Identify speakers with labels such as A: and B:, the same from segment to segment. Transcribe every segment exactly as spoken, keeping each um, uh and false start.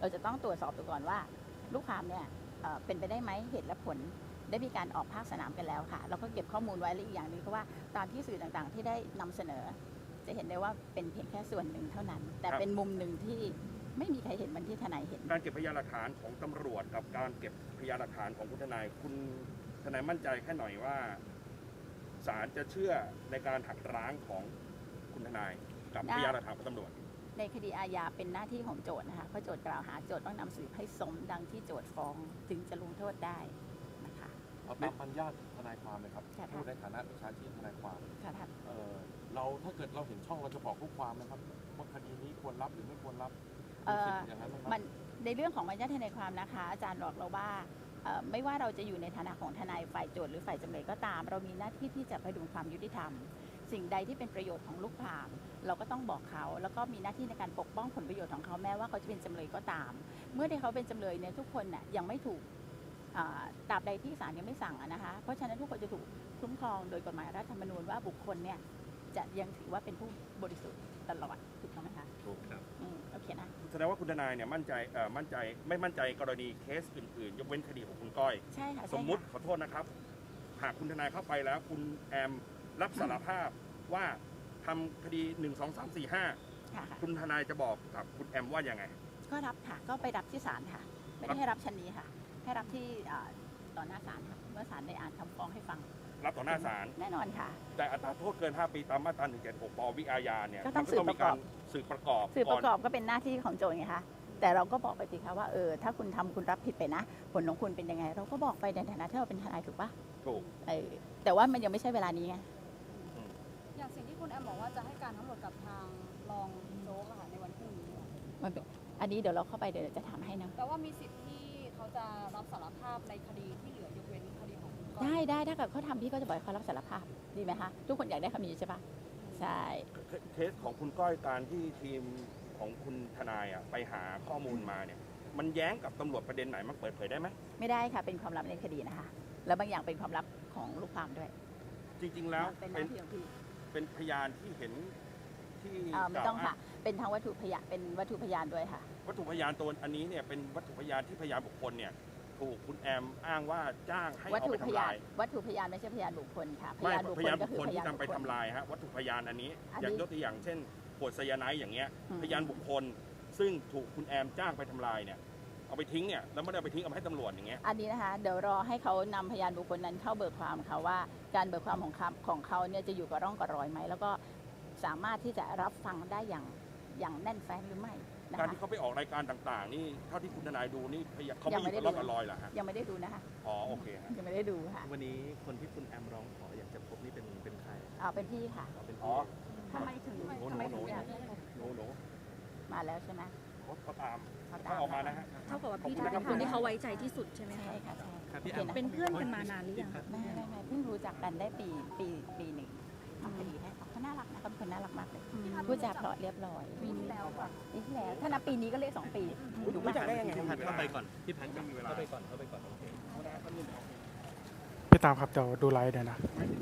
A: เราจะต้องตรวจสอบดูก่อนว่าลูกความเนี่ยเป็นไปได้ไหมเหตุและผลได้มีการออกภาคสนามกันแล้วค่ะเราก็เก็บข้อมูลไว้และอีกอย่างหนึ่งเพราะว่าตามที่สื่อต่างๆที่ได้นำเสนอจะเห็นได้ว่าเป็นเพียงแค่ส่วนหนึ่งเท่านั้นแต่เป็นมุมหนึ่งที่ไม่มีใครเห็นเหมือนที่ทนายเห็น
B: การเก็บพยานหลักฐานของตำรวจกับการเก็บพยานหลักฐานของคุณทนายคุณทนายมั่นใจแค่หน่อยว่าศาลจะเชื่อในการหักล้างของคุณทนายกับพยานหลักฐานของตำรวจ
A: ในคดีอาญาเป็นหน้าที่ของโจทก์นะคะเพราะโจทก์กล่าวหาโจทก์ต้องนำสืบให้สมดังที่โจทก์ฟ้องถึงจะลงโทษได้นะคะ
C: เอาตามปัญญาทนายความเลยครับพูดในฐานะวิชาชีพทนายความเออเราถ้าเกิดเราเห็นช่องเราจะบอกลูกความนะครับว่าคดีนี้ควรรับหรือไม่ควรรับ
A: อย่างนั้นมันในเรื่องของปัญญาทนายความนะคะอาจารย์บอกเราว่าไม่ว่าเราจะอยู่ในฐานะของทนายฝ่ายโจทก์หรือฝ่ายจำเลยก็ตามเรามีหน้าที่ที่จะพดุงความยุติธรรมสิ่งใดที่เป็นประโยชน์ของลูกความเราก็ต้องบอกเขาแล้วก็มีหน้าที่ในการปกป้องผลประโยชน์ของเขาแม้ว่าเขาจะเป็นจำเลยก็ตามเมื่อที่เขาเป็นจำเลยเนี่ยทุกคนน่ะยังไม่ถูกตราบใดที่ศาลยังไม่สั่งนะคะเพราะฉะนั้นทุกคนจะถูกคุ้มครองโดยกฎหมายรัฐธรรมนูญว่าบุคคลเนี่ยจะยังถือว่าเป็นผู้บริสุทธิ์ตลอดถูกต้องไหมคะ
C: ถูกครับ
A: โอเคนะ
B: แสดงว่าคุณทนายเนี่ยมั่นใจเอ่อมั่นใจไม่มั่นใจกรณีเคสอื่นๆยกเว้นคดีของคุณก้อย
A: ใช่ค่ะ
B: สมมุติขอโทษนะครับหากคุณทนายเข้าไปแล้วคุณแอมรับสารภาพว่าทำคดีหนึ่งสองสามสี่ห้าคุณทนายจะบอกกับคุณแอมว่ายังไง
A: ก็รับค่ะก็ไปรับที่ศาลค่ะไม่ได้ให้รับชั้นนี้ค่ะให้รับที่ต่อหน้าศาลค่ะเมื่อศาลได้อ่านคำฟ้องให้ฟัง
B: รับต่อหน้าศาล
A: แน่นอนค่ะ
B: แต่อัตราโทษเกินห้าปีตามมาตราหนึ่งเจ็ดหกปวิอาญาเนี่ย
A: ก็ต้องสืบประกอบ
B: สืบประกอบ
A: สืบประกอบก็เป็นหน้าที่ของโจทก์ไงคะแต่เราก็บอกไปสิคะว่าเออถ้าคุณทำคุณรับผิดไปนะผลของคุณเป็นยังไงเราก็บอกไปในฐานะที่เราเป็นทนายถูกปะ
B: ถูก
A: เออแต่ว่ามันยังไม่ใช่เวลานี้ไง
D: อย่างสิ่งที่คุณแอมบอกว่าจะให้การทั้งหมดกับทางรองโจ๊กค่ะในวันพรุ่งนี้
A: มันอันนี้เดี๋ยวเราเข้าไปเดี๋ยวจะถามให้นะ
D: แต่ว่ามีสิทธิ์ที่เขาจะรับสารภาพในคดีที่เหลือยกเว้นคดีของคุณก้อย
A: ได้ได้ถ้าเกิดเขาทำพี่ก็จะบอกเขารับสารภาพดีไหมคะทุกคนอยากได้คำนี้ใช่ปะใช่
B: เคสของคุณก้อยการที่ทีมของคุณทนายอ่ะไปหาข้อมูลมาเนี่ยมันแย้งกับตำรวจประเด็นไหนมันเปิดเผยได้ไหม
A: ไม่ได้ค่ะเป็นความลับในคดีนะคะแล้วบางอย่างเป็นความลับของลูกความด้วย
B: จริงๆแล้ว
A: เป็นหน้าที่ของพี่
B: เป็นพยานที่เห็นที่
A: ไม่ต้องค่ะเป็นทางวัตถุพยานเป็นวัตถุพยานด้วยค่ะ
B: วัตถุพยานตัวอันนี้เนี่ยเป็นวัตถุพยานที่พยานบุคคลเนี่ยถูกคุณแอมอ้างว่าจ้างให้เอาไปทำลาย
A: วัตถุพยานไม่ใช่พยานบุคคลค่ะ
B: พยานบุคคลก็คือพยานที่นำไปทำลายฮะวัตถุพยานอันนี้อย่างยกตัวอย่างเช่นขวดไซยาไนด์อย่างเงี้ยพยานบุคคลซึ่งถูกคุณแอมจ้างไปทำลายเนี่ยเอาไปทิ้งเนี่ยแล้วไม่ได้เอาไปทิ้งเอาไปให้ตำรวจอย่างเงี้ย
A: อันนี้นะคะเดี๋ยวรอให้เขานำพยานบุคคลนั้นเข้าเบิกความเขาว่าการเบิกความของเขาของเขาเนี่ยจะอยู่กับร่องกับรอยไหมแล้วก็สามารถที่จะรับฟังได้อย่างอย่างแน่นแฟ้นหรือไม่
B: การที่เขาไปออกรายการต่างๆนี่เท่าที่คุณทนายดูนี่เขาไม่อยู่กับร่องกับรอยเหรอฮะ
A: ยังไม่ได้ดูนะคะ
B: อ๋อโอเค
A: ยังไม่ได้ดูค่ะ
C: วันนี้คนที่คุณแอมร้องขออยากจะพบนี่เป็นเป็นใคร
A: อ๋อเป็นพี่ค่ะ
C: เป็น
B: อ๋อ
A: ทำไมถึงทำไมถึงอยาก
B: หนูหนู
A: มาแล้วใช่ไหม
B: เขาตามเขาออกมานะฮะ
D: เท่ากับว่าพี่เป็นคนที่เขาไว้ใจที่สุดใช่ไหม
A: ใช่ค่ะใช่
D: เป็นเพื่อนกันมานานหรือยัง
A: ไม่ไม่ไม่เพิ่งรู้จักกันได้ปีปีปีหนึ่งทำคดีให้เขาเขาน่ารักนะเขาเป็นคนน่ารักมากเลยพูดจาเพราะเรียบร้อย
D: ปีที่แล้วก่อน
A: ปีที่แล้วถ้านับปีนี้ก็เลขสองปี
B: ดูรู้จักได้ยังไง
C: พี่พันเข้าไปก่อนพี่พันเข้าไปก่อนเข้าไปก่อนโอเค
E: พี่ตามครับเดี๋ยวดูไลฟ์เดี๋ยวนะ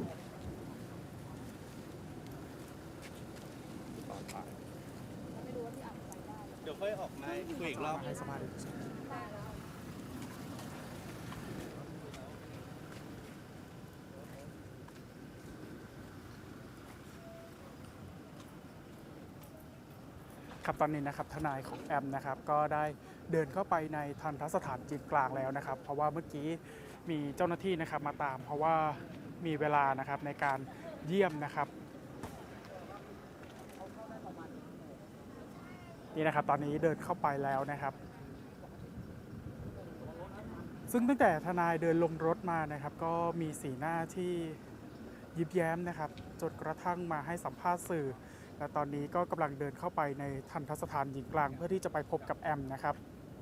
C: เดี๋ยวค่อยออกมาคุยอีกรอบ
E: ให้สภาพครับตอนนี้นะครับทนายของแอมนะครับก็ได้เดินเข้าไปในทันทสถานจีนกลางแล้วนะครับเพราะว่าเมื่อกี้มีเจ้าหน้าที่นะครับมาตามเพราะว่ามีเวลานะครับในการเยี่ยมนะครับนี่นะครับตอนนี้เดินเข้าไปแล้วนะครับซึ่งตั้งแต่ทนายเดินลงรถมานะครับก็มีสีหน้าที่ยิ้มแย้มนะครับจนกระทั่งมาให้สัมภาษณ์สื่อและตอนนี้ก็กำลังเดินเข้าไปในทันทสถานหญิงกลางเพื่อที่จะไปพบกับแอมนะครับ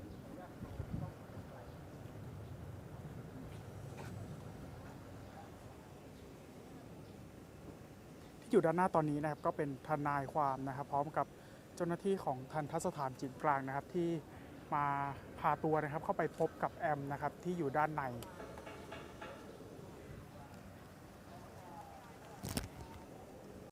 E: ที่อยู่ด้านหน้าตอนนี้นะครับก็เป็นทนายความนะครับพร้อมกับเจ้าหน้าที่ของทันทสถานหญิงกลางนะครับที่มาพาตัวนะครับเข้าไปพบกับแอมนะครับที่อยู่ด้านใน